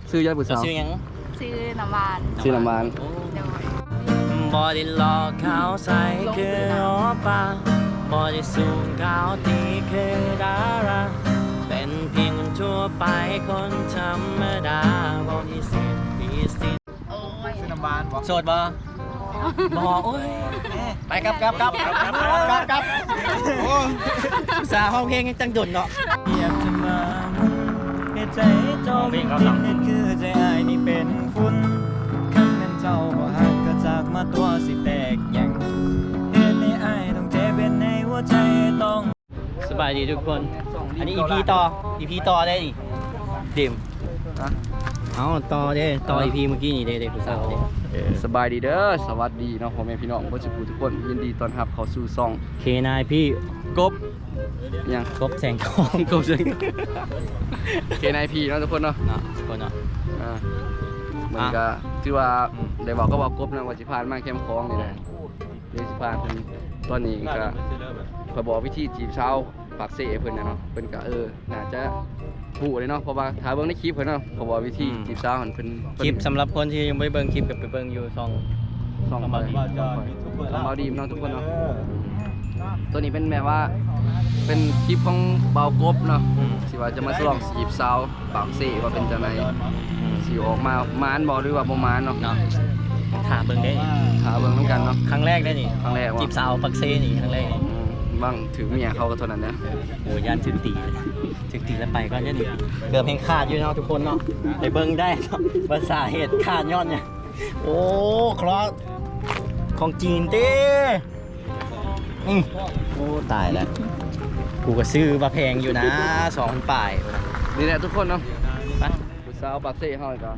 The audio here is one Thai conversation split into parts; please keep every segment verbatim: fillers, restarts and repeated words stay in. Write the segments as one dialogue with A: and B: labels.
A: ซื้อยาบุษาว
B: ซื้อยัง
C: ซื้อน้ำมัน
A: ซื้อน้ำมัน
C: เดี๋ยว
B: บอดี้หลอกขาวใสคือโอปาบอดี้สูงขาวตีคือดาราเป็นเพียงคนทั่วไปคนธรรมดาบอดี้สิทธิ์พิสิทธิ์
C: โอ้ย
D: ซื้อน้ำบานบ่
B: โสดบ่บ่โอ้ยไปกับกับกับกับกับกับโอ้สาวห้องเพลงจังดุนเนาะ
D: อยากจะมาเหตุใจเจ้าเป็นเหตุคือใจอายนี่เป็นฝุ่นคันเป็นเจ้าบ่ฮักก็จากมาตัวสิแตกยังเหตุในอายต้องเจ็บเป็นในหัวใจต้อง
B: สบายดีทุกคน อันนี้ อี พี ต่อ อี พี ต่อได้ดิดิมเอาต่อเด้ต่อ อี พี เมื่อกี้นี่เด้เด้ผู้สาวเด้
A: สบายดีเด้อสวัสดีเนาะพ่อแม่พี่น้องบ่สิผู้ทุกคนยินดีต้อนรับเข้าสู่ช่อง
B: เคนายพี่
A: กบหยัง
B: กบแสงทอง
A: กบเชิง เคนายพีเนาะทุกคนเนาะ
B: เนาะทุกคนเนาะ
A: อ่ามันก็ถือว่าได้บอกก็บอกกบนะว่าสิผ่านมาเข้มข้องนี่แหละเดี๋ยวสิผ่านเพิ่นตอนนี้ก็ขอยบอกวิธีจีบสาวปากเสเพิ่นน่ะเนาะเพิ่นก็เออน่าจะฮู้เลยเนาะเพราะว่าถ้าเบิ่งในคลิปเพิ่นเนาะเขาบอกวิธีจีบสาวหั่นเพิ่น
B: คลิปสำหรับคนที่ยังไม่เบิ่งคลิปกับไปเบิ่งอยู่ช่อง
A: ส่อง
B: เอา
A: ไป
B: มาดี
A: ส่องเบาดีมเนาะทุกคนเนาะตัวนี้เป็นแบบว่าเป็นคลิปของเบากบเนาะ
B: อืม
A: สิว่าจะมาลองจีบสาวปากเสว่าเป็นจังได
B: อืม
A: สิออกมามานบ่หรือว่าบ่มานเนาะ
B: เนาะถามเบิ่งได้
A: หาเบิ่งนำกันเนาะ
B: ครั้งแรกได้นี่
A: ครั้งแรกวะ
B: จีบสาวปักเซนี่ครั้งแรกนี่
A: อืมบางถือเมียเขาก็เท่านั้นนะ
B: โอ้ย่านถึงตีเลยถึงตีแล้วไปก็จะนี่เกือบเพลงขาดอยู่เนาะทุกคนเนาะไปเบิ่งได้เนาะภาษาเหตุขาดยอดเนี่ยโอ้คลอสของจีนเต้อืมโอ้ตายแล้วกูก็ซื้อมาแพงอยู่นะสองพันป่าย
A: นี่แหละทุกคนเนาะ
B: ไป
A: ผู้สาวปากเสเฮาก็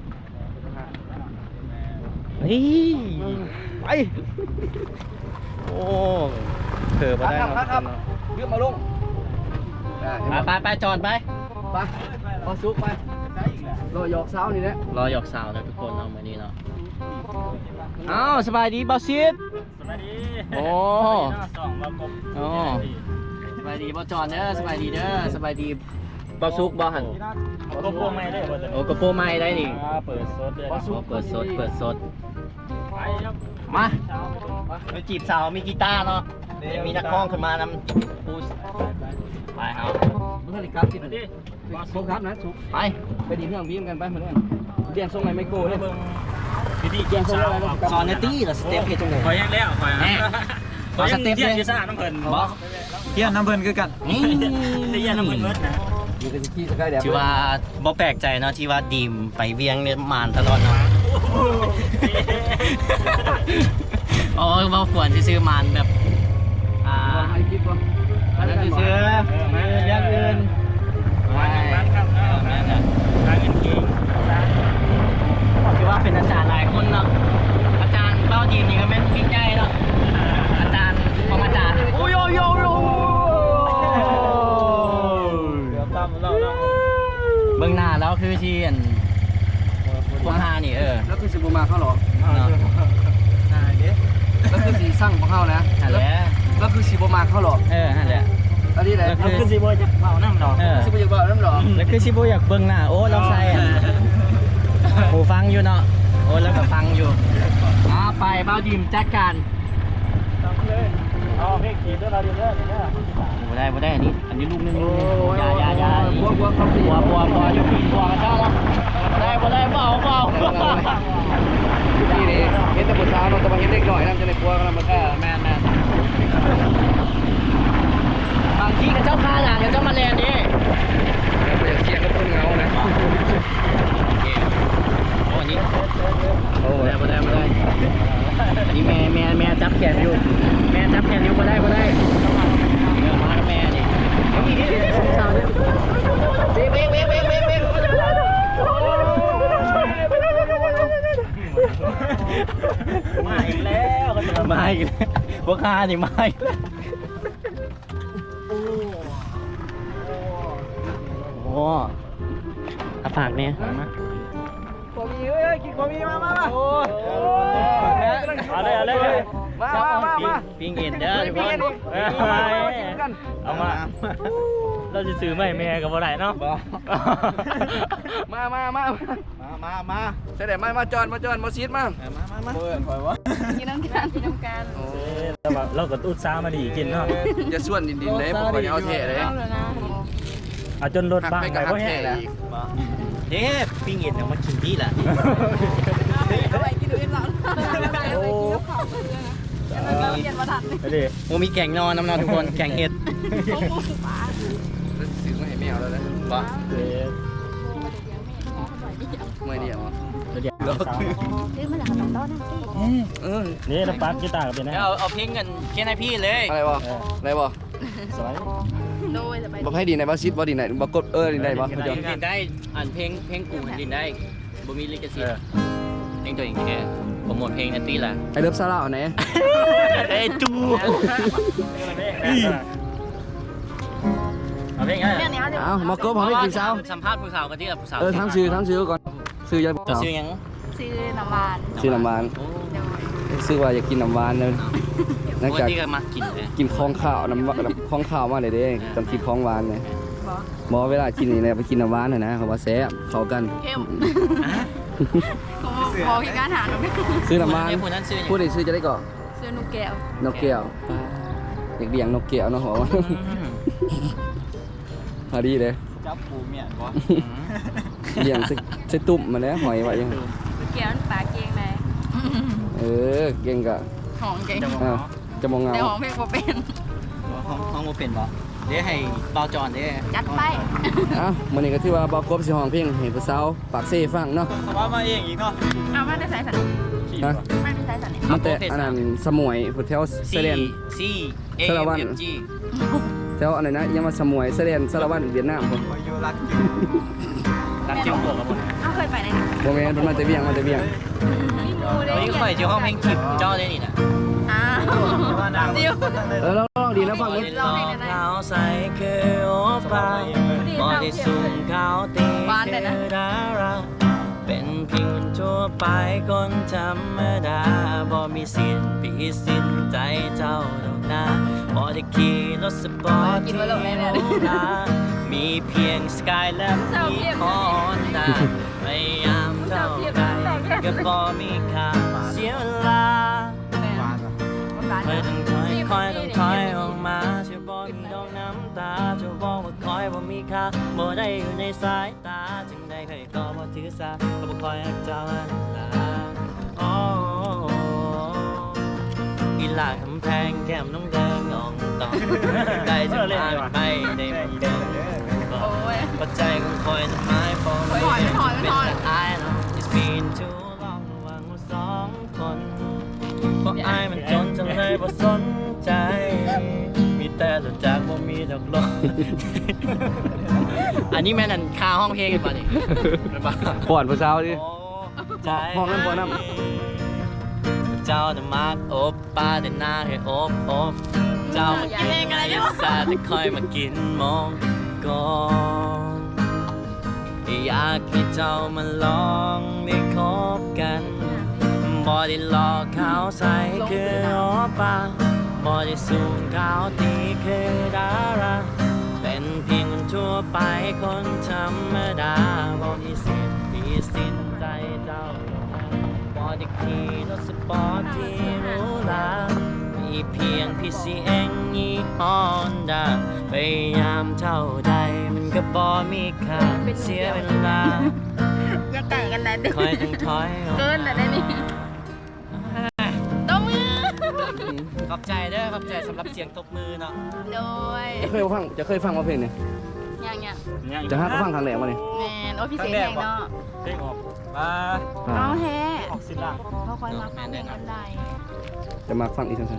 B: เฮ้ย
A: ไป
B: โอ้เผื่อมาได้
A: ครับ
B: เนาะ
A: ครับเรียกมาลง
B: ไปไปไปจอดไป
A: ไปพอซุกไปรอหยอกสาวนี่แหละ
B: รอหยอกสาวนะทุกคนเนาะมื้อนี้เนาะอ้าวสบายดีบอสซิด
D: สวัสดี
B: โอ้
D: สองมากบ
B: โอ้สบายดีบอจอนเด้อสบายดีเด้อสบายดีบอซุกบอหัน
D: ก็พวกไม่ได้บ่
B: โอ้กระโปรงไม้ได้นี่
D: เปิดโซดเลย
B: โอ้เปิดสดเปิดสด
D: ไปครับ
B: มาไปจีบสาวมีกีตาร์เนาะมีนักร้องขึ้นมานำปูไปเอา
A: เมื่อไหร่ครับที่นี่ซุกครับนะซุก
B: ไป
A: ไปดีเพื่อนพี่กันไปเหมือนกันเรียนส่งไหนไมโครเลย
D: พี่ดี
A: เรียนส่งอะไร
B: สอนเนตี้เหรอสเต็ปเพจจังเลย
D: คอยยังแล้วคอย
B: แน่ขอสเต็ป
D: เยี่
B: เลย ย
D: อยู่ซ่าน้ำเพิ่น
B: บอ
D: เยี่ยน้ำเพิ่นคือกัน
B: นี่
D: ได้เยี่ยน้ำเพิ่นเบิดนะ
A: อยู่กันที่สกายแดด
B: ที่ว่าบ่แปลกใจเนาะที่ว่าดีมไปเวียงเนี่ยมานตลอดเนาะโอ้ยบ่ควรที่ซื้อมานแบบอ่า
A: ให้คลิปวะ
B: อันนั้นซื้อมาเรื่องอื่นไม่
D: ครับแม่น่ะทางเงินเก่ง
B: ที่ว่าเป็นอาจารย์หลายคนเนาะอาจารย์เป้าดีมนี่ก็เป็นบิ๊กใหญ่เนาะอาจารย์ของอาจารย์โอ้ยโยโยโย
D: เดี๋ยวตั้มเล่าเล่า
B: เบื้องหน้าแล้วคือที่อันพวกห้านี่เออ
A: แล้วคือสิบูมาเข้าหรอ
B: เนาะ
D: นายเด้
A: แล้วคือสีสั่งของเข้านะ
B: นั่นแหละ
A: แล้วคือสีบูมาเข้าหรอ
B: เออนั่นแหละ
A: อันนี้แหละ
D: เราคือสิบ่จะเมาน้ำดอก
B: เออ
A: สิบูจะบอกน้ำหรอ
B: แล้วคือชิโบอยากเบิ่งหน้าโอ้เราใส่อันหูฟังอยู่เนาะโอ้แล้วก็ฟังอยู่อ่าไปเบ้าดีมจัดการ
D: ตั้มเลยเอาเพลงขีดด้วยเราเดี๋ยวเด้อเด้อ
B: บ่ได้บ่ได้อันนี้อันนี้ลูกนึงลูกนึงอยาอยาอยา
A: บัวบัวเขาสี
B: บัวบัวบัวอยู่ปีนบัวกันเจ้าเนาะบ่ได้บ่ได้เบาเบา
A: ที่นี่เห็นแต่ผู้สาวเราจะมาเห็นเด็กหน่อยนะจะในบัวกันมา
B: เออแม่นแม่นบางทีกับเจ้าพาหลังกับเจ้ามาแลนดิ
A: อยากเสียงกับคนเงานะ
B: โอ้นี่
A: โอ้
B: บ่ได้บ่ได้บ่ได้อันนี้แม่แม่แม่จับแขนอยู่ แม่จับแขนอยู่บ่ได้บ่ได้เออมากับแม่นี่นี่นี่นี่สงสารเนี่ยเบ๊กเบ๊กเบ๊กเบ๊กเบ๊กเบ๊ก
D: มาอีกแล้วก็จะ
B: มาอีกแล้วพวกข้านี่มาอีกแล้วโอ้อาฝากเนี่ยมา
A: บะหมี่เอ้ยกินบะหมี่มามามาโอ้ย
D: เอาเลยเอาเลย
A: มามามามา
B: ปิ้งเอ็นเด้อทุกคน
A: เอามากินกัน
D: เอามาเราจะซื้อไม่แม่กับอะไรเนาะ
A: มามามา
B: มามามา
A: ใช่เดี๋ยวมามาจอนมาจอนมาซีดมา
B: มามามาเปิดคอยวะ
C: กินน้ำกันกินน้ำกัน
A: โอ้
D: เราแบบเราก็อุตส่าห์มาดีกินเนาะ
A: จะส่วนดินดินเลยผมเอาเทเลย
C: เอาเลยนะ
D: เอาจนรถ
A: หัก
D: บ้าง
A: ไป
D: ไป
A: กับหั
D: ก็
A: กเท
D: แห้ง
A: แล้ว
B: เด้ปิ้งเอ็นเนี่ยมากินที่แหละ
C: เอาไปกินดูอินหลังโอ้เราเปลี่ยนมาทัน
D: ไปดิ
B: โอ้มีแกงนอนน้ำนอนทุกคนแกงเห็ด
A: ซื้อมาให้แมวแล้วนะ
B: บ่
D: เดี๋ยว
A: ไม่เดียว
D: เดี๋ยว
C: ซื้อมาจากขนมต้นนั่นสิ
A: เออ
D: นี่เราปั๊บกีตาร์กับเป็นนะ
B: เอาเอาเพลงกันแค่ให้พี่เลย
A: อะไรบ่อะไรบ่
D: สวย
C: โดยจะไป
A: บ่ให้ดินไหนบ่ซีดบ่ดินไหนบ่กดเออดินไหนบ่
B: ดินได้อ่านเพลงเพลงกูดินได้บ่มีลิขสิทธิ์เพลงตัวเองแค่โปรโมทเพลงนั่นตีละ
A: ไอ้เลิฟซาร่าเอาไหน
B: เอ้จู
D: เอาเพลงไง
C: เนี่ยเนี่ย
A: เอ้ามากบผมให้กินเช้า
B: สัมภาษณ์ผู้สาวกันที่ผู้สาว
A: เออทั้งซื้อทั้งซื้อก่อนซื้อยา
B: จะ
A: สาว
B: ซื้อยัง
C: ซื้อน้ำหวาน
A: ซื้อน้ำหวาน
B: โอ้
C: โดย
A: ซื้อว่าอยากกินน้ำหวานเลยหลัง
B: วัน
A: จาก
B: ที่ก็มากินเลย
A: กินของข้าวน้ำของข้าวมาเลยเด้ตอนกินของหวานเลย
C: บอก
A: บอกเวลากินนี่นะไปกินน้ำหวานน่ะนะเขาว่าแซ่บเข้ากัน
C: เข้มขอที่การหาหน่อย
A: ซื้อน้ำหวาน
B: ผู้นั้นซื้อ
A: พูดได้ซื้อจะได้ก่อน
C: ซื้อนุกแก้วน
A: กแก้วเด็กเลี้ยงนกแก้วเนาะหัวว่าพอดีเลย
D: จับปูเมียนวะ
A: เลี้ยงใส่ใส่ตุ่มมาแล้วหอยไว้ยัง
C: นุกแก้วนั่นปลาเก่งเลย
A: เออเก่งกะ
C: หอมเก่ง
A: อ่าจะมองเงา
C: แต่หอมเพลงโมเป็น
B: ห้องห้องโมเป็นบ่เดี๋ยวให้เบาจอนเด้
C: จัดไป
A: อ่ะมื้อนี้ก็ถือว่าบ่กบสิห้องเพลงให้ผู้สาวปากเซ่ฟังเนาะ
D: สบายมาเองอีกเนาะ
C: เอามาได้ใส่สัน
A: ฮะ
C: ไม่ได้ใส่สันเนี่ย
A: มันแต่อันนั้นสมวยแถวเซเลน
B: ซีเอ
A: สารวัตร
B: เอ็มจี
A: แถวอะไรนะยังมาสมวยเซเลนสารวัตรเวียดนามพุ่น
D: คอยอยู่รักจริงรักจริงเปิดกับผม
C: เอาเคยไปไหน
A: บ่แม่นเพิ่นมาแต่เวียงมาแต่เวียง
B: วันนี้ก็คอยเจ้าห้องเพลงคลิปเจ้าได้นี่นะ
C: อ้าวเดียว
A: เออลองๆดีแล้วฟังมึง
C: ลองเพลงไหน
B: ขาวใสคือโอปาบอดี้สูงขาวตีคือดาราเป็นเพียงคนทั่วไปคนธรรมดาบ่มีสิทธิ์พิสิทธิ์ใจเจ้าดอกนะบ่ได้ขี่รถสปอร์ตที่โหรามีเพียงสกายและมีฮอนด้าพยายามเท่าใดก็บ่มีค่าเสียเวลาคอยต้องถอยคอยต้องถอยออกมาช่วยบอกมีดอกน้ำตาช่วยบอกว่าคอยบ่มีค่าบ่ได้อยู่ในสายตาจึงได้เคยก็บ่ถือสาก็บ่คอยรักเจ้าอันลาโอ้อีหลาคำแพงแก้มน้องแดงอ่องตองได้จะมาไม่ได้มาเดิน
C: โอ้ย
B: ปัจจัยของคอยจะไม่พอ
C: ไม่ถอยไม่ถอยไม่ถอย
B: เป็นแต่ I know it's been too long ระหว่างเราสองคนเพราะอายมันจนจนเลยบ่สนใจ มีแต่หลุดจากบ่มีดอกลม อันนี้แม่นั่นคาห้องเพลงกันป่ะนี่เป็นป่ะ
A: ป้อนผู้สาวดิ
B: โอ้ใจ
A: ห้องนั้นบ่น
B: เจ้าน่ะมากโอบป้าแต่หน้าให้โอบโอบเจ้ามากินลิซ่าแต่คอยมากินมองก่อนอยากให้เจ้ามาลองได้คบกันบ่ได้หลอกขาวใสคือโอป้าบ่ได้สูงขาวตีคือดาราเป็นเพียงคนทั่วไปคนธรรมดาบ่มีสิทธิ์มีสิทธิ์ใจเจ้าบ่ได้ขี่รถสปอร์ตที่หรูหรามีเพียง พี ซี เอ็น ยี่ห้อ Honda พยายามเท่าใดมันก็บ่มีค่าเสียเวลา
C: อย่าไก่กันนะเด็ก
B: คอยต้องถอยออก
C: เกินแต่ได้นี่ตบมือ
B: ขอบใจเด้อขอบใจสำหรับเสียงตบมือเนาะ
C: โดย
A: จะเคยฟังจะเคยฟังว่าเพลงเนี่ย
C: อย่างเงี้ย
A: จะหาก็ฟังทางแหลกมาเนี่ย
C: แมนโอ้พี่เสียงแหงเนาะ
D: เพลงออกมา
C: น้องแท้
D: ออกสิล่าง
C: เขาคอยมาฟังเพลงกันได้
A: จะมาฟังอีกสั้น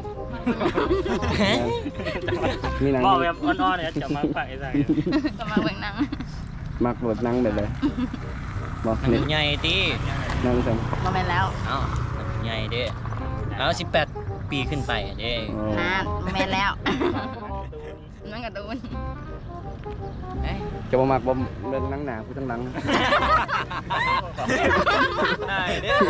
A: ๆมีหนัง
D: บอกแบบอ่อนๆเนี่ยจะมาฝากไอ้สัง
C: ก็มาเบิ่งหนัง
A: มักแบบหนังแบบเลยบอกนี่
B: ใหญ่ตี
A: หนังสั่น
C: มาแมนแล้ว
B: เอ้าใหญ่เด้แล้วสิบแปดปีขึ้นไปอะเด้
A: อ๋อน
C: านมาแมนแล้วนั่งกับตูน
B: เอ้ย
A: จะมามักบ่เป็นหนังหนาผู้ทั้งหลัง
B: ได้เด้อ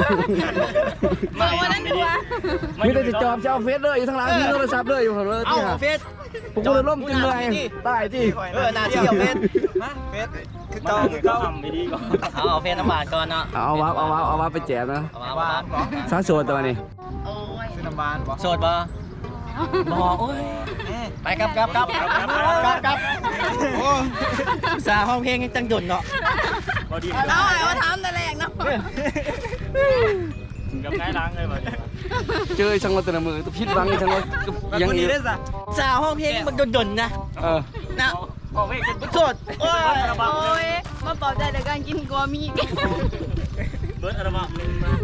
C: มาวันนั้นดูวะ
A: มีแต่จะจอบจะเอาเฟซเลยอยู่ทั้งหลังมีโทรศัพท์เลยอยู่เลย
B: เอ้า
A: ที่หา
B: เฟส
A: ผมก็เลยล่มจนเมื่อยตายที่
B: เออหน้าที่เอาเฟซ
D: ฮะเฟสคือเก่าคือเก่าทำไม่ดีก่อน
B: เอาเอาเฟซน้ำบาดก่อนเนาะ
A: เอาวับเอาวับเอาวับไปแจมนะ
B: เอามา
D: หวา
B: เอา
D: น
B: มา
D: บ่
A: สาวโสดตัวนี้
D: ซื้อน้ำบานบ่
B: โสดบ่บ่โอ้ยไปครับครับครับครับครับครับโอ้สาวห้องเพลงยังจังดุนเนาะ
C: เอาไอ้ว่าทำแต่แรกเนาะ
D: กับง่ายล้างเลยบ่
A: เจอช่างรถแต่ละมือตัวพิษวังช่างรถก็ยัง
D: คน
A: อี
D: นี้
A: ก
D: ได้ซะ
B: สาวห้องเพลงมันดุนๆนะ
A: เออ
B: นะ
D: ออกเพลงกัน
B: โสดโอ้ย
C: โอ้ยมาปลอบใจในการกินกัวมี
D: เบิร์ดอัลบั้มหนึ่งมา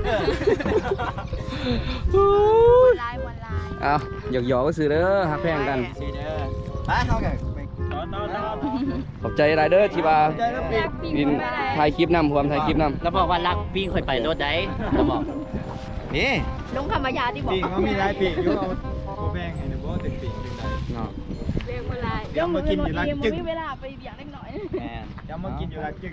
C: ลายวันลาย
A: เอาหยอกหยอกก็ซื้อเด้อหักแพงกัน
B: สีเด้อไปเข้ากัน
D: ตอนตอนตอน
A: ขอบใจไรเด้อที่ว่าดินถ่ายคลิปนำพร้อมถ่ายคลิปนำ
B: แล้วบอกว่ารักวิ่งค่อยไปรถได้แล้วบอกนี่
C: ลงธรรมยาที่บอก
D: ปีกมันมีหลายปีกอยู่เอาเอาแบ่งให้หน่อยบ่ถึงปีกถึงใด
A: เนาะ
C: เรียกวันลาย
D: เดี๋ยวมากินอยู่ร้านจึ๊ก
C: มีเวลาไปเบียงเล็กน้อย
B: แม่
D: ย้ำมากินอยู่ร้านจึ๊ก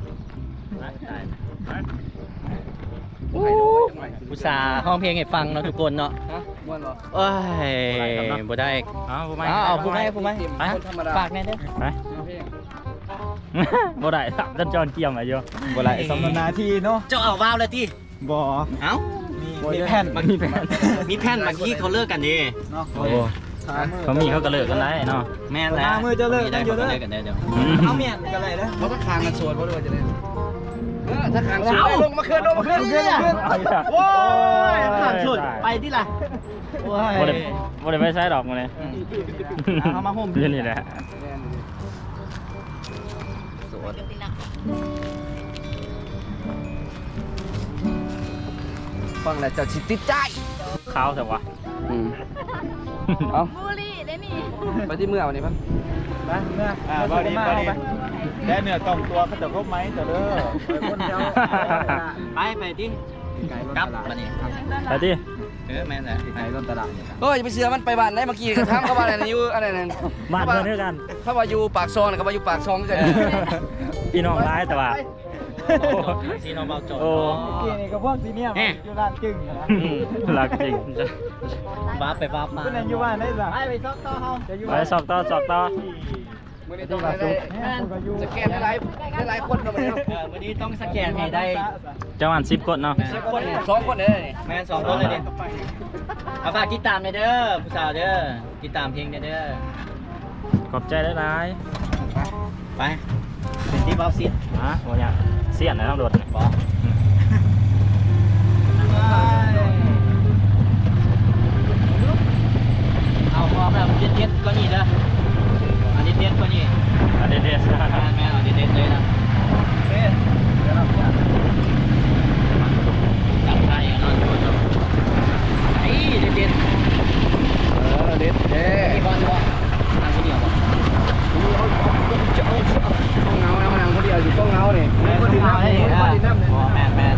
B: อุตส่าห์ห้องเพลงให้ฟังเนาะทุกคนเนาะ
A: ฮะม่วนเหรอ
B: โอ้ยบ่ได้
D: เอาผู้ไม่
B: เอาเอาผู้ไม่ผู้ไม่
A: ไปคนธรรมดา
B: ฝากแน่เด้อ
D: ไป
A: เอาเพลง
D: บ่ได้ครับดันจอนเกี่ยมมาอยู่บ่ได้สำนาทีเนาะ
B: เจ้าเอาว้าวเลยที่
D: บ่
B: เอ้า
D: มีมีแผ่น
B: มีแผ่นมีแผ่นบางทีเขาเลิกกันดี
D: เนาะ
E: โอ้เขามีเขาก็เลิกกันได้เนาะ
B: แม่นแล้ว
D: หามือจะเลิก
B: มีได้
D: กันอยู่
B: เขา
D: เด้อ
B: ก็เลิกกันได้เดี๋ยว
D: เอาเมียนกันเลยเด้อ
A: เพราะถ้าคางมันสวนเพราะด้วยจะได้เออถ้าคางสวนลงมาขึ้นลงมาขึ้น
D: ขึ้นขึ้น
B: โอ้ยผ่านสุดไปที่ละโอ้ย
E: บ่ได้บ่ได้ไปใช้ดอกมาเลย
B: เอามาห่ม
E: อยู่นี่แหละ
A: ฟังแล้วเจ้าชิติดใจ
E: ข้าวแต่ว่า
A: อืมเอา
C: บุรีได้นี่
A: ไปที่เมื่อวันนี้ปะ
D: มาเนื้ออ่าบ่ดีบ่ดีแล้วเนื้อต้องตัวเขาจะครบไหมจะเด้อไปคนเดียว
B: ไปไปที่กลับมานี่
E: ไปดิ
B: เออแม่นแหละ
D: ไก่ต้นตลาด
A: เฮ้ยไปเสือมันไปบ้านไหนเมื่อกี้ก็ถามเขาว่าอะไรนะอยู่อะไรนั่น
E: บ้านเพื่อนด้วยกัน
A: เขาว่าอยู่ปากซองนะเขาว่าอยู่ปากซองกัน
E: พี่น้องร้ายแต่ว่า
B: ซีโนเบาโจด
E: โอ้
D: กี่นี่ก็พวกซีเนียมอยู่ร้านจึ้งนะ
E: อืมรักจริง
B: บ้าไปบ้ามา
D: คุณนั่นอยู่บ้านได้สัก
B: ไปไปซอกต่อเฮา
D: จะอยู่
E: ไปสอกต่อสอกต่อ
A: มื่อนี้ต้องได้สแกนได้หลายได้หลายคนเราไปแล้ว
B: เออวันนี้ต้องสแกนให้ได้
E: จังหวัดสิบคนเนาะ
A: สิบคนสองคนเลย
B: แม่นสองคนเลยดิเอาฝากติดตามหน่อยเด้อผู้สาวเด้อติดตามเพลงหน่อยเด้อ
E: ขอบใจได้หลาย
B: ไปเป็นที่เบาซิด
E: ๆฮะโอ้ยเสียนนะต้องโดดเนี่ย
B: บอกเอาพอแบบเด็ดๆก็นี่เด้ออันนี้เด็ดก็นี่
E: อ่ะเด็ด
B: แม่แม่เอาเด็ดๆเลยนะจับไทยนอนดูจบไอ้เด็ด
A: เออเด็ดเด้
B: ๆที่บอลวะทางที่เดียวบอก
A: ต้องเงานะมันนั่งคนเดียวอยู่ต้องเงาเนี่ยคนดินน้ำเนี่ยคนดินน้ำเนี่ย
B: อ๋อแม่แม่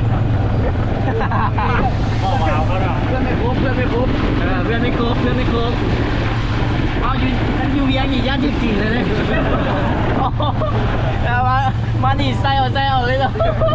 E: พ่อมาเอาเขาเนาะ
A: เพื่อนไม่ครบเพื่อนไม่ครบ
B: เออเพื่อนไม่ครบเพื่อนไม่ครบเอาอยู่อยู่เวียงอีกย่านที่สี่เลยเลยแต่ว่ามาดีไซเอาไซเอาเลยเหรอ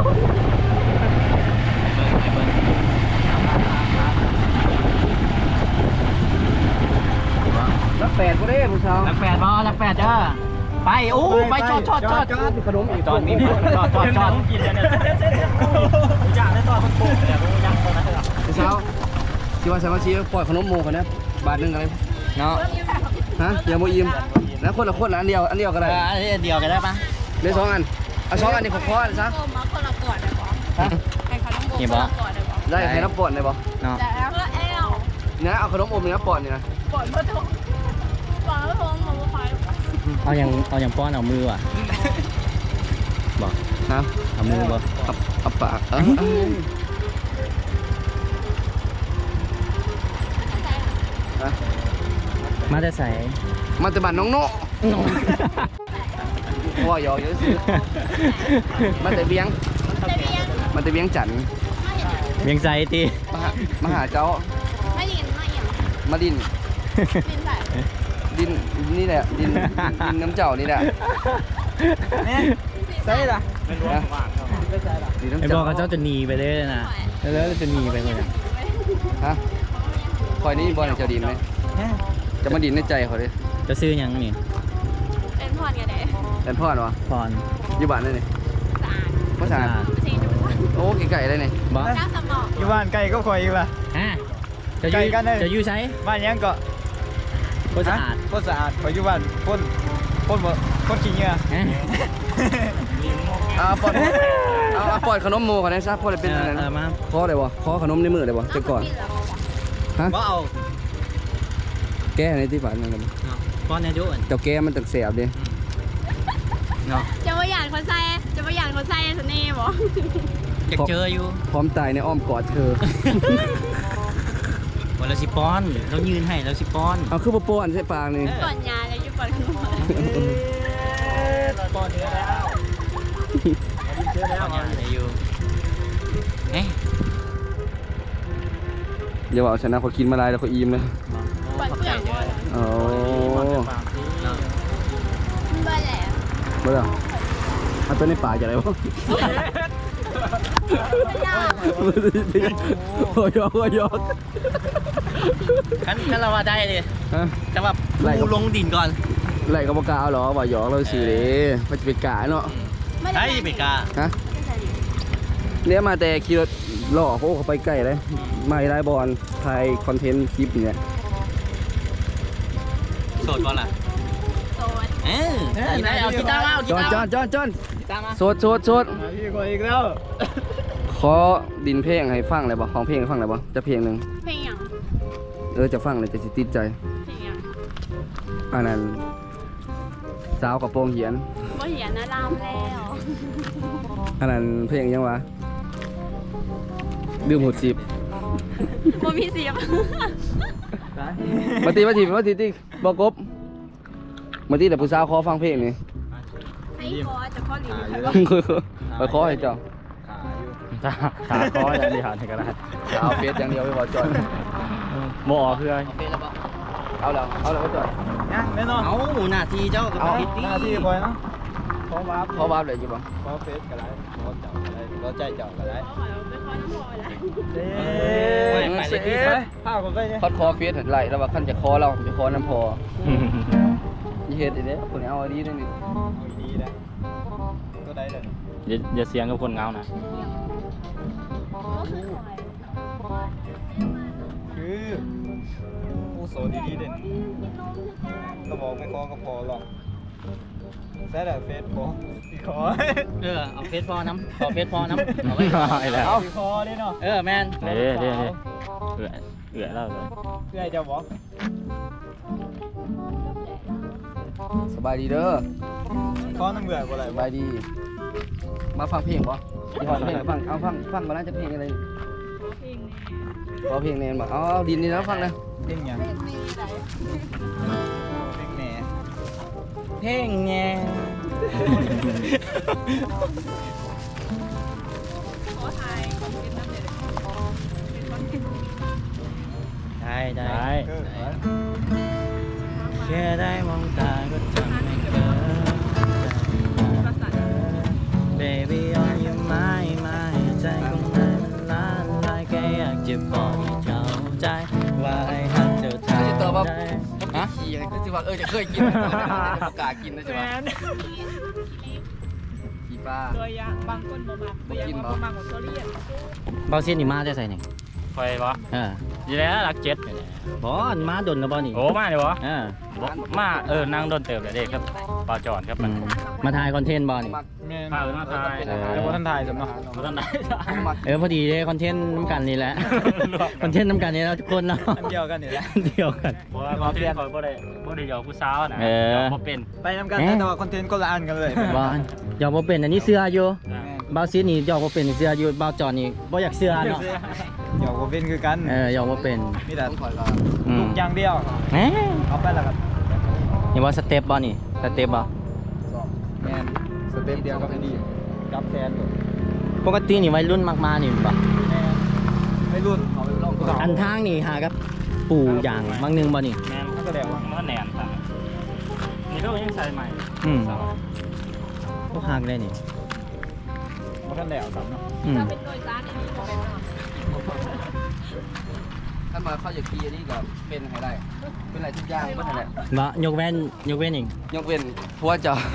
A: รักแปดก็ได้ผู้สาว
B: หลักแปดบอหลักแปดเด้อไปโอ้ไปจอดจอดจอด
A: ขนมอีก
B: จอดมีจอดจอดจอด
E: กินเนี่ยอยากได้ต่อคนโกงแต่รู้ยังตอนนั้น
A: ผู้สาวที่ว่าสามัคคีปล่อยขนมโมกันนะบาทหนึ่งอะไร
B: เนาะ
A: ฮะเดี๋ยวโมอิ่มแล้วคนละคนละอันเดียวอันเดียวก็
B: เอ
A: ได้
B: ออันนี้เดียวกันได้ปะ
A: ได้สองอันเอาสองอันนี้ขอคอซะ
C: โอ้มาคนละก่อนได้บอกให้ขนมโบคนละก่อนได้บอก
A: ได้ให้น้ำปอนได้ปะ
B: เนาะ
C: แต่แล้วแอล
A: นะเอาขนมอมเนื้อปอนนี่นะ
C: ก่อนเพื่อทงก่อนเพื่อทงมาบุกไป
B: เอาอย่างเอาอย่างป้อนเอามือว่ะบอก
A: ฮะ
B: เอามือบ่
A: เอาเอาปากเออ
B: มาแต่ใส่
A: มาแต่บ้านน้องโน่ว่าหยอกเยอะสิมาแต่เบียง
C: แต่เบียง
A: มาแต่เบียงจันทร์
C: ไม่เห็น
B: เวียงใจตี
A: มาหามาหาเจ้า
C: ไม่ดินไม่เห็น
A: มาดิน
C: ดินแบบ
A: ดินนี่แหละดินดินน้ำเจ้านี่แหละ
D: ใช่ล่ะ
E: ไม่รู้ว่าว่างเขา
A: ดินน้ำ
B: ไอ้บ
A: เจ้า
B: อกกับเจ้าจะหนีไปเลยนะแล้วจะหนีไปเลย
A: ฮะคอยนี่บอลเจ้าดินไหมจะมาดินในใจเขาเลย
B: เจะซื้อหยังนี่
C: เป็นพรกันเด้
A: แอนพ่อเหรอ
B: พร
A: อยู่บ้านนี่นี่
C: สะอาด
A: ภาษา
C: สีดูสะอาด
A: โอ้ไก่ๆเลยนี่
B: บ่
C: เจ้าสมอง
D: อยู่บ้านไก่ก็คอยอยู่ป่ะ
B: ฮะจะอ
D: ไกล
B: ยู่
D: กันเลย
B: จะอยู่ไส
D: บ้านยังก็
B: บ่สะอาด
D: คนสะอาดคอยอยู่บ้านคนคนบ่คนขี้เหงื่อ
B: ฮะ
A: อ่าปอดเอาเอาปอดขนมโมก่อนนะซะพอได้เป็น
B: เอ
A: อะ
B: อ
A: ไร
B: เออมา
A: ขอได้บ่ขอขนมในมือได้บ่แต่ก่อน ฮะ
B: บ่เอา
A: แก้ในที่บ้านนั่นกัน
B: เนาะพรเนี่ยอยู่อั่น
A: เจ้าแก้มันตักแสบดิ
B: เนาะ
C: จะมาหยาดคนใส่จะมาหยาดคนใส่เสน่ห์บ่
B: อยากเจออยู่
A: พร้อมตายในอ้อมกอดเธอ
B: บ่แล้วสิป้อนเรายืนให้แล้วสิป้อน
A: เอาคือบ่ป้อนใส่ปากนี่
C: ก่อนยาเลยอยู่ก่อนขนม
D: ป้อนเนื้อแล้วเนื้อแล้ว
B: ป้อนยังได้อยู่เอ๊ะ
A: อย่าว่าเอาชนะเขากินมาลายแล้วเขาอิ่มเลย
C: ก่อนเปลือกบ่
A: โอ้
B: เนาะ
C: เบื่อแล้ว
A: บ่ล่ะเอาตัวในปากจะอะไรวะ
C: ยาก
A: โอ้ยโอ้ยโอ้ย
B: คันคันเราว่าได้เลย
A: ฮะ
B: แต่ว่า
A: ไล่กับ
B: ปูลงดินก่อน
A: ไล่กับบ่กล้าเอาหรอว่าหยอกเราซื่อเด้มันจะเป็นกาเนาะ
B: ไอ้เบกา
A: ฮะเนี่ยมาแต่ขี่รถล่อโอ้เขาไปใกล้เลยมาไล่บอลถ่ายคอนเทนต์คลิปเนี่ย
B: โสดก่อนล่ะ
C: โซน
B: เออไหนเอากีตาร์มาเอากี
A: จอน
B: ตาร์
A: จอนจอนจอน
B: กีตาร์มา
A: โสดโสดโสด
D: มาพี่คอยอีกแล้ว
A: ขอดินเพลงให้ฟังเลยบ่ของเพลงให้ฟังเลยบ่จะเพลงหนึ่ง
C: เพลงหยัง
A: เออจะฟังเลยจะสิติดใจ
C: เพลงหยัง
A: อันนั้นสาวกับโปรงเหียน
C: บ่เหียนนะลามแล้ว
A: อันนั้นเพลงยังวะดื่มหดสิบ
C: บ่มีเสียบ
A: มาตีมาตีมาตีตีบอกกบมาตีแต่ผู้สาวขอฟังเพลงนี่
C: ให้คอจะข้อหลี
A: ไปขอให้เจ้า
E: ตาตาคออย่างเดียวนี่ก็ได้
A: เอาเฟซอย่างเดียวไปบอกจอย
E: โมอคืออะไร
A: เอาแล้วเอาแล้วไปจอย
D: ยังแน่นอน
B: เอาหน้าที่เจ้ากับ
A: เอา
B: ผิด
D: หน้าที่คอยเนาะขอวาร์ป
A: เขาวาร์ปเลยอยู่บ่
D: ขอเฟซก็ได้ขอเจ้าก็ได้ขอใจเจ้าก็ได้
C: ไปคอน้ำพอแล้ว
D: เด้
B: ไปเลยพี่
D: ไปพาผมไปเนี่ย
A: เขาขอเฟซเห็นไรแล้วว่าขั้นจะขอเราจะขอน้ำพอยี่เฮ็ดอีเด้คนนี้เอาอันนี้ได้นี่
D: เอาดีๆนะก็ได้เลย
E: อย่าอย่าเสียงกับคนเงานะ
D: คือผู้โสดดีๆเด่นก็บอกไม่ขอก็พอหรอกแซ่แต่เฟซบอกสิขอ
B: เออเอาเฟซพอน้ำขอเฟซพอน้ำเอาไว้ก่อน
E: ไอ้แล้ว
D: สิขอนี่เนาะ
B: เออแมน
E: เด้เด้เด้เอื่อยเอื่อยแล้วเลย
D: เพื่อให้เจ้าบอก
A: สบายดีเด้อ
D: ขอน้ำเบื่อบ่ไร
A: สบายดี มาฟังเพลงบ่ที่ฟังเพลงฟังเอาฟังฟังมาน่าจะเพลงอะไรขอเพลงแนนบ่เอาเอาดินนี่นะฟังนะ
D: เพ่งยัง
C: เพลงมีไหน
D: เพ่งแหน่
B: เพ่งแง
C: ขอทายคอนเทนต์นั่นเลยเป็นคอนเทนต์
B: ได้ได้
E: ได้
D: เออ
B: แค่ได้มองตาก็ทำให้เกิด
C: ภาษา
B: Baby on your mind มาให้ใจของนายมันล้านลายแค่อยากจะบอกให้เข้าใจว่าไอ้ฮักเธอทำได้
A: ฮะขี่อะไรก็สิว่าเออจะเคยกินนะประกาศกินนะจ๊ะว่าขี่ปลา
C: ตัวอย่างบางคนบ่มักตัวอย่างบ่มักของโซเลียน
B: เบาเส้นนี่มาได้ใส่นี่
E: ไฟบ่
B: เออ
E: ยีแล้วหลักเจ็ด
B: บอลมาดนนะบอลนี่
E: โอ้มาเลยบ่
B: เออ
E: บ่มาเออนั่งโดนเติบเลยเด็กครับปลาจอนครับ
B: อื
E: มัน
B: มมาถ่ายคอนเทนต์บอลนี่
A: มัก
D: แม่น
E: พาเอินมาทาย
B: เออ
D: แต่ว่าท่านถ่ายสำเนาะ
E: บ่ทันได้
A: มัก
B: เออพอดีเลยคอนเทนต์น้ำกันนี่แหละ คอนเทนต์น้ำกันนี่แล้วทุกคนเนาะ
D: อันเดียวกันนี่แหละ
B: เดียวกัน
E: เพราะว่าเขาเรียนเขาบ่ได้บ่ได้ยอมผู้สาวนะ
B: เออ
E: ยอมบ่เป็น
D: ไปนำกันนะแต่ว่าคอนเทนต์ก็ละอันกันเลย
B: บอลยอมบ่เป็นอันนี้เสื้ออยู่
E: นะ
B: บาวซีนี่ยอมบ่เป็นเสื้ออยู่บาวจอนนี่บ่อยากเสื้อเนาะ
D: เดี๋ยวก็เป็นคือกัน
B: เออยอมบ่เป็น
D: มีแต่
A: ต้องถอยก่อน
B: อื
D: ลู
B: ม
D: กอย่างเดียว
B: เอ๊ะ
D: เอาไปแล้วครับ
B: นี่ว่าสเต็ปบอลนี่สเต็ปบ่
D: แมนสเต็ปเดียวก็ไม่ดีจับแทนอยู่
B: ปกตินี่วัยรุ่นมากมานี่บ่
D: แมนไม่รุ่นเอาไปลองก่อน
B: อันทางนี่หากับปู่อย่างบางหนึงบ่นี่
E: แม่น
D: ก็แสดงว่า
E: มันแหนนครับนี่ก็ยังใส่ใหม่
B: อืม
E: สาว
B: บ่ฮักเลยนี่
D: มันก็แดวครับเนาะ
B: อืม
C: จะเป็นตัวจ้าในนี้บ่เป็นเนาะ
A: ถ้ามาเข้าอย่างกีอันนี้ก็เป็นให้ได้เป็นอะไรทุกอย่างเป็นอะไร
B: บ่ยกเว้นยกเว้นอีก
A: ยกเว้นผัวเจ้า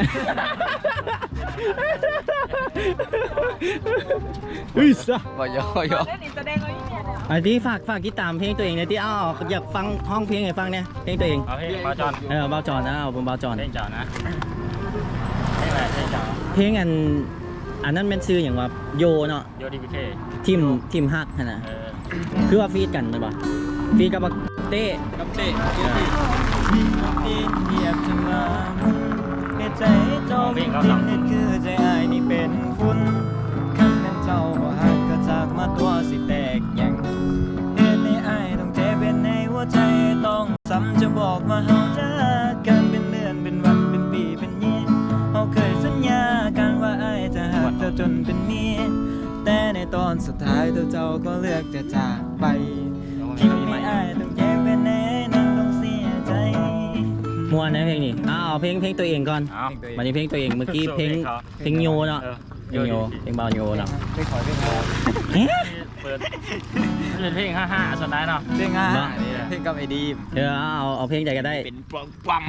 B: อุ้ยซะ
A: บ่ยอยอ
C: เล่นอีแสดงเอาอีเนี่ยเนี่ย
B: อันที่ฝากฝากติดตามเพลงตัวเองหน่อยที่อ้าวอยากฟังห้องเพลงให้ฟังเนี่ยเพลงตัวเอง
E: เอาเพลงบาจอน
B: เออเบาจอนนะเอาผมเบาจอน
E: เพลงเจ้านะเพลงอะไรเพลงเจ้า
B: เพลงอันอันนั้นเป็นชื่ออย่างว่าโยเนาะ
E: โยดีพีเค
B: ทีมทีมฮักหั่นน่ะ
E: เออ
B: คือว่าฟีดกันเลยป่ะฟีดกับบักเต้
A: กับเต้
D: ดินเหยียบจะมาเหตุใจเจ้าเป็นดินเหตุคือใจอายนี่เป็นฝุ่นคันนั้นเจ้าบ่หักก็จากมาตัวสิแตกยังเหตุในอายต้องเจ็บเป็นในหัวใจต้องซ้ำจะบอกว่าเฮาจากกันเป็นเดือนเป็นวันเป็นปีเป็นเย็นเฮาเคยสัญญากันว่าอายจะหักเจ้าจนเป็นเมียแต่ในตอนสุดท้ายตัวเจ้าก็เลือกจะจากไปที่ไม่อายต้องเจ็บเป็นในนั้นต้องเสียใจ
B: มวนนะเพลงนี้อ้าวเพลงเพลงตัวเองก่อน
E: เอา
B: วันนี้เพลงตัวเองเมื่อกี้เพลงเพลงโยเนาะ
E: เออ
B: เพลงโยเพลงเบาโยเนาะ
D: ไปขอเพลงอะไร
B: เอ๊ะ
E: เปิดมันเป็นเพลงห้าห้าส่วนไหนเนาะ
D: เพลงอ่ะ
B: บ้า
D: เพลงกับไอ้ดีม
B: เออเอาเอาเพลงใดก็ได้
E: เป็นปลอมปั๊ม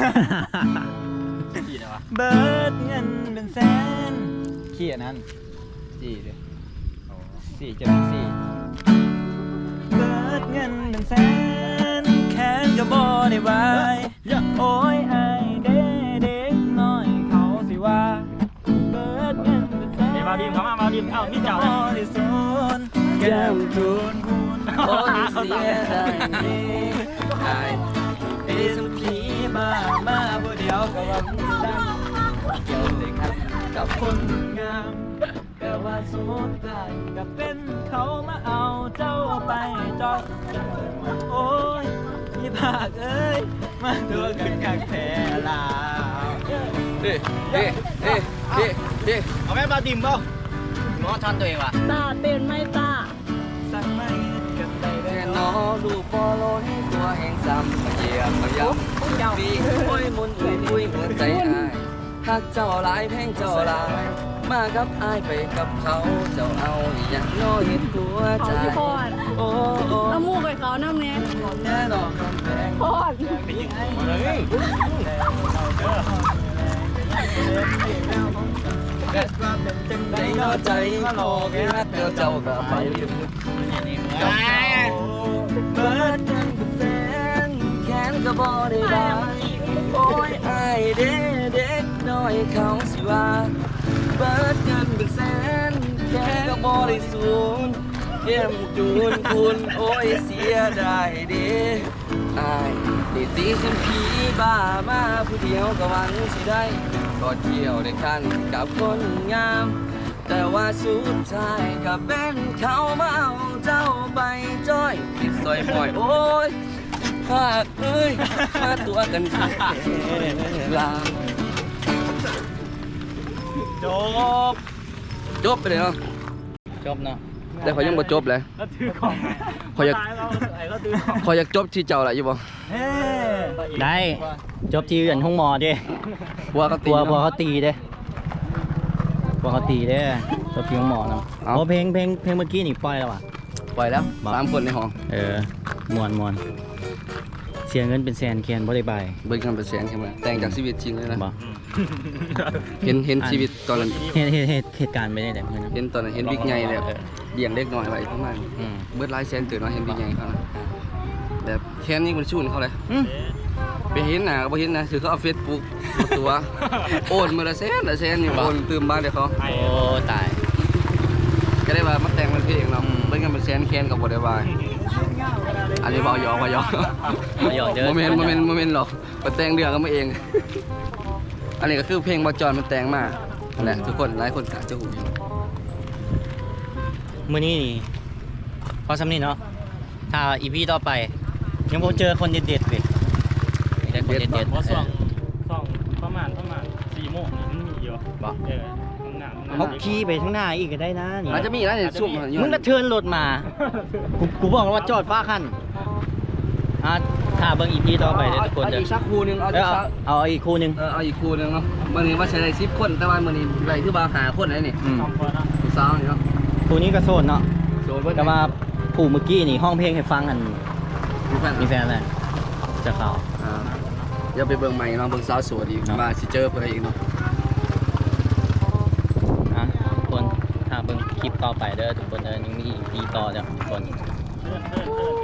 E: ที่ไหนวะ
D: เบิดเงินเป็นแสนขี้อันนั้นสี่เลยสี่เจ็ดสี่เบิดเงินเป็นแสนแค้นก็บ่ได้บายโอ้ยไอเด็กเด็กน้อยเขาสิว่าเบิดเงินเป็นแสน
E: เดี๋ยวมาดิมเข้ามามาดิมเอ้านี่เจ้า
D: บ่
E: นะ
D: ได้สนแก้มคูณคูณ
A: โอ้ยเสียดายได้
D: เอสพีมามาผู้เดียวก็ว่ามีดังเกี่ยวเลยครับกับคนงามแต่ว่าสุดท้ายก็เป็นเขามาเอาเจ้าไปจอยโอ้ยพี่ภาคเอ้ยมาตัวกันกักแท้ลาว
A: เด้เด้เด้เด้เด้
B: เอาแม่มาดิมเปล่าง้อทันตัวเองว่ะ
C: ตาเป็นไหม่ตา
D: สั่งไม่กันได้
A: แค่
D: แล้ว
A: นอดูปอล้นตัวแห่งซ้ำมาเยี่ยมมาย้ำปีโอ้ยมุนอุ้ยอุ้ยหัวใจอายหักเจ้าหลายแพงเจ้าหลายมากับอายไปกับเขาเจ้าเอาอย่างน้อยเห็นหัวใจ
C: เขาที่พอด
A: โอ้โอ้
C: เอามูกไปเขาน้ำเนี้ย
A: แน่นอนคำแพง
C: พอด
A: ในนอใจโลกฮักเดียวเจ้าก็ไปลืม
D: เบิดเงินเป็นแสน
A: แขนก็บ่ได้บายโอ้ยอายเด็กเด็กน้อยเขาสิว่าเบิดเงินเป็นแสนแขนก็บ่ได้สูญเยี่ยมจูนคุณโอ้ยเสียดายเด้อายได้ตีสิผีบ้ามาผู้เดียวก็หวังสิได้ก็เที่ยวได้กันกับคนงาม แต่ว่าสุดท้ายก็เป็นเขามาเอาเจ้าไปจ้อยติดซอยบ่อยโอ้ยพาดเอ้ยมาตัวกันลา
E: จบ
A: จบไปเลยเนาะ
B: จบเนาะ
A: แต่เขายังบ่จบเลย
E: แล้วถือของ
A: เขาอยาก
E: ตายเราไอ้ก็ถือของ
A: เขาอยากจบที่เจ้าแหละอยู่บ่
D: เฮ้
B: ได้จบที่อื่นห้องหมอเด้
A: หัวเขาตี
B: ตัวพอ
A: เนาะ
B: เขาตีเด้พอเขาตีเด้จบที่ห้องหมอเนาะ
A: เอา
B: โอ้เพลงเพลงเพลงเมื่อกี้นี่ปล่อยแล้วอ่ะ
A: ปล่อยแล้ว
B: บอก
A: สามคนในห้อง
B: เออมวนมวนเสียเงินเป็นแสนแคนบ่ได้บาย
A: เบิ่งกันเป็นแสนใช่ไหมแต่งจากชีวิตจริงเลยนะ
B: บ่
A: เห็นเห็นชีวิตตอนนั้น
B: เหตุเหตุเหตุเหตุการณ์ไม่ได้แต่เพื่อนนะ
A: เห็นตอนนั้นเห็นบิ๊กใหญ่เลยเลี้ยงเล็กน้อยไว้ประมาณ
B: อืม
A: เบิดหลายแสนตื่นมาเห็นบิ๊กใหญ่เขานะแบบแค้นนี่มันชูนเขาเลย
B: อืม
A: ไปเห็นหน้าก็บ่เห็นนะคือเขาเอาเฟซบุ๊กตัว โอนมาละแสนละแสนอยู่โอนตื่มบ้านเดี๋ยวเขา
B: โอ้ตาย
A: ก็ได้ว่ามาแต่งเป็นเพลงเนาะ
B: อืม
A: เบิ่งกันเป็นแสนแค้นกับบ่ได้บายอันนี้เบาหยอกเบาหยอก
B: บ่หยอกเด้อ
A: โมเมนต์โมเมนต์โมเมนต์หรอกมาแต่งเรื่องกันมาเอง อันนี้ก็คือเพลงบอจอนมันแต่งมานั่นแหละทุกคนหลายคนอาจจะหูอยู่
B: มื้อนี้นี่พอสำนี้เนาะถ้าอีพีต่อไป ยังบ่เจอคนเด็ดๆเว้ยได้คนเด็ด
E: เพราะ
B: ๆ
E: ส่องส่องประมาณประมาณสี่โมงนี่มันมีอยู่
B: บ่
E: เออข้างหน้าข้างหน้า
B: เขาขี่ไปข้างหน้าอีกก็ได้นะนี่
A: อาจจะมีนะเนี่ยซุ่มอยู่
B: มึงก็เทิร์นรถมา กูกูบอกแล้วว่าจอดฟ้าคันอ่ะถ้าเบิ่งอีพีต่อไปเด้อทุกคน
A: เอา
B: เด้อ
A: อีกสักคู่หนึงเอา
B: เอ
A: อี
B: อก เอา
A: สัก
B: เอาอีกคู่หนึง
A: เออเอาอีกคู่หนึงเนาะวันนี้ว่าใช้ได้สิบคนแต่ว่ามื้อนี้ไรคือบ่าหาคนไหนนี่
B: อืม
E: สองคนนะ
A: ผู้สาวนี่เนาะ
B: คู่นี้ก็โซนเนาะ
A: โดนเบิด
B: ก็มาผู้เมื่อกี้นี่ห้องเพลงให้ฟังอัน
A: มีแฟน
B: มีแฟนอะไรจะเข้า
A: อ่าเดี๋ยวไปเบิ่งใหม่เนาะเบิ่งสาวสวยอีก
B: เนาะ
A: มาสิเจอเพิ่นอีกเนาะ
B: อ่ะทุกคนถ้าเบิ่งคลิปต่อไปเด้อทุกคนเด้อยังมีอีกดีต่อจ้ะทุกคน
E: เพื่อนเพื่อนเพื่อน